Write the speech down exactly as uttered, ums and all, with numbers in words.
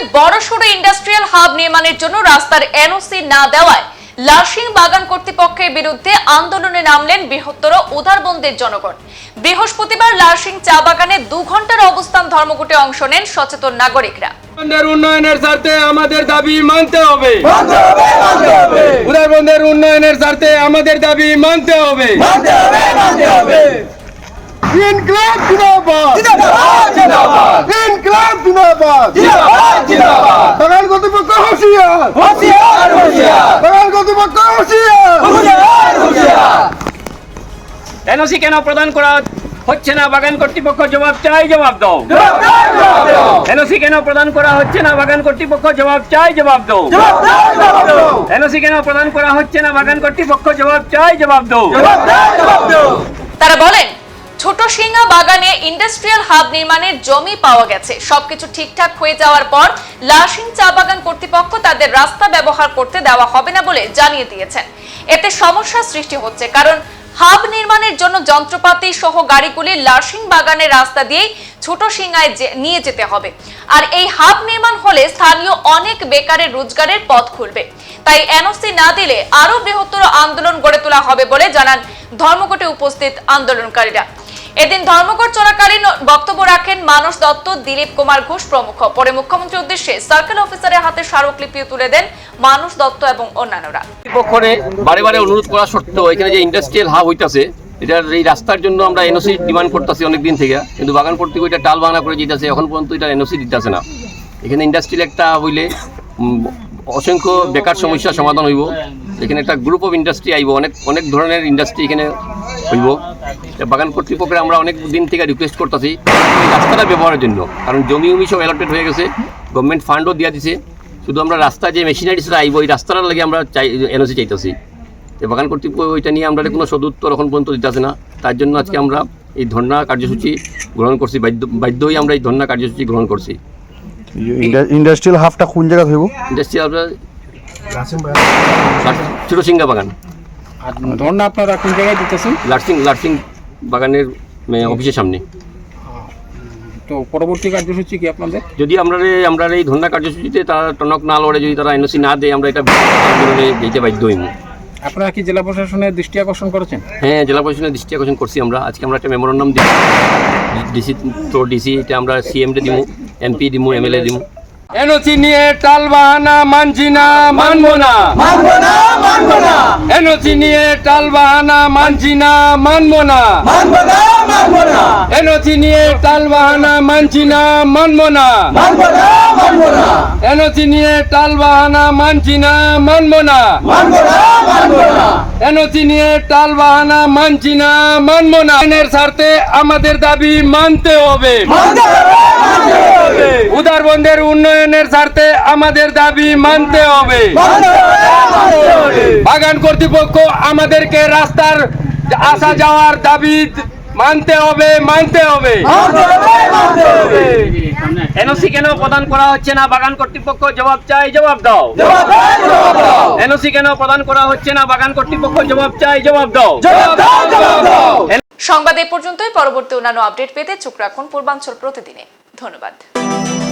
বড়সড় industrial hub নির্মাণের জন্য রাস্তার এনওসি না দেওয়ায় লার্সিং বাগান কর্তৃপক্ষের বিরুদ্ধে আন্দোলনে নামলেন বৃহত্তর উদারবন্দের জনগণ। বৃহস্পতিবার লার্সিং চা বাগানে দু ঘন্টার অবস্থান ধর্মঘটে অংশ নেন সচেতন নাগরিকরা। উন্নয়নের স্বার্থে আমাদের দাবি মানতে হবে, উদারবন্দের উন্নয়নের স্বার্থে আমাদের দাবি মানতে হবে। ইনকলাব জিন্দাবাদ, জিন্দাবাদ, ইনকলাব জিন্দাবাদ, জিন্দাবাদ, জিন্দাবাদ। বাগান কর্তৃপক্ষ হুঁশিয়ার, হুঁশিয়ার, হুঁশিয়ার। বাগান কর্তৃপক্ষ হুঁশিয়ার, হুঁশিয়ার, হুঁশিয়ার। এনওসি কেন প্রদান করা হচ্ছে না? বাগান কর্তৃপক্ষ জবাব চাই, জবাব দাও। এনওসি কেন প্রদান করা হচ্ছে না? বাগান কর্তৃপক্ষ জবাব চাই, জবাব দাও। এনওসি কেন প্রদান করা হচ্ছে না? বাগান কর্তৃপক্ষ জবাব চাই, জবাব দাও। তারা বলেন, ছোট সিংহা বাগানে ইন্ডাস্ট্রিয়াল হাব নির্মাণের জমি পাওয়া গেছে। সবকিছু ঠিকঠাক হয়ে যাওয়ার পর লার্সিং চা বাগান কর্তৃপক্ষ তাদের রাস্তা ব্যবহার করতে দেওয়া হবে না বলে জানিয়ে দিয়েছেন। এতে সমস্যা সৃষ্টি হচ্ছে, কারণ হাব নির্মাণের জন্য যন্ত্রপাতি সহ গাড়িগুলি লার্সিং বাগানের রাস্তা দিয়েই ছোট সিংহায় নিয়ে যেতে হবে। আর এই হাব নির্মাণ হলে স্থানীয় অনেক বেকারের রোজগারের পথ খুলবে। তাই এনওসি না দিলে আরো বৃহত্তর আন্দোলন গড়ে তোলা হবে বলে জানান ধর্মঘটে উপস্থিত আন্দোলনকারীরা। এদিন ধর্মঘট চলাকালীন বক্তব্য রাখেন মানস দত্ত, দিলীপ কুমার ঘোষ প্রমুখ। পরে মুখ্যমন্ত্রীর উদ্দেশ্যে সার্কেল অফিসারের হাতে স্মারকলিপিও তুলে দেন মানস দত্ত এবং অন্যান্যরা। পক্ষে বারে বারে অনুরোধ করা সত্ত্বেও এখানে যে ইন্ডাস্ট্রিয়াল হাব হইতাছে, এটার এই রাস্তার জন্য আমরা এনওসি ডিমান্ড করতেছি অনেকদিন থেকে, কিন্তু বাগান কর্তৃপক্ষ এটা টাল বাহানা করে যেতেছে, এখন পর্যন্ত এটা এনওসি দিতেছে না। এখানে ইন্ডাস্ট্রিয়াল একটা হইলে অসংখ্য বেকার সমস্যার সমাধান হইব। এখানে একটা গ্রুপ অফ ইন্ডাস্ট্রি আইব, অনেক অনেক ধরনের ইন্ডাস্ট্রি এখানে হইব। বাগান কর্তৃপক্ষের আমরা অনেক দিন থেকে রিকোয়েস্ট করতেছি এই রাস্তাটা ব্যবহারের জন্য, কারণ জমি উমি সব অ্যালটেড হয়ে গেছে, গভর্নমেন্ট ফান্ডও দিয়ে দিছে। শুধু আমরা রাস্তা যে মেশিনারিসটা আইব এই রাস্তাটার লাগে আমরা চাই এনওসি চাইতেছি। বাগান কর্তৃপক্ষ ওইটা নিয়ে আমরা কোনো সদুত্তর এখন পর্যন্ত দিতেছে না। তার জন্য আজকে আমরা এই ধর্ণা কার্যসূচি গ্রহণ করছি, বাধ্য বাধ্য হয়ে আমরা এই ধর্ণা কার্যসূচি গ্রহণ করছি। ইন্ডাস্ট্রিয়াল হাফটা কোন জায়গা হইব? ইন্ডাস্ট্রিয়াল ছোট সিংহা বাগান। ধর্ণা আপনারা কোন জায়গায় দিতেছেন? লার্সিং লার্সিং বাগানের অফিসের সামনে। তো পরবর্তী কার্যসূচি কি আপনাদের? যদি আমরা আমরা এই ধর্ণা কার্যসূচিতে তারা টনক না লড়ে, যদি তারা এনওসি না দেয়, আমরা এটা আন্দোলনে যেতে বাধ্য হইব। আপনারা কি জেলা প্রশাসনের দৃষ্টি আকর্ষণ করেছেন? হ্যাঁ, জেলা প্রশাসনের দৃষ্টি আকর্ষণ করছি আমরা। আজকে আমরা একটা মেমোরান্ডাম দিই ডিসি তো ডিসি, এটা আমরা সিএমডি দিমু, এমপি দিমু, এমএলএ দিমু। এনওসি নিয়ে টাল বাহানা মানছি না, মানবো না, মানবো না, মানবো না। এনওসি নিয়ে টাল বাহানা মানছি না, মানবো না, মানবো না, মানবো না। এনওসি নিয়ে টাল বাহানা মানছি না, মানবো না, মানবো না, মানবো না। এনওসি নিয়ে টাল বাহানা মানছি না, মানবো না, মানবো না, মানবো না। এনওসি নিয়ে টাল বাহানা মানছি না, মানবো না। এর স্বার্থে আমাদের দাবি মানতে হবে, মানতে হবে, মানতে হবে। উদারবন্দের উন্নয়নের স্বার্থে আমাদের দাবি মানতে হবে। বাগান কর্তৃপক্ষ আমাদেরকে রাস্তার আসা যাওয়ার দাবি মানতে হবে, মানতে হবে। এনওসি কেন প্রদান করা হচ্ছে না? বাগান কর্তৃপক্ষ জবাব চাই, জবাব দাও। এনওসি কেন প্রদান করা হচ্ছে না? বাগান কর্তৃপক্ষ জবাব চাই, জবাব দাও। সংবাদ এ পর্যন্তই। পরবর্তী অন্যান্য আপডেট পেতে চোখ রাখুন পূর্বাঞ্চল প্রতিদিনে। ধন্যবাদ।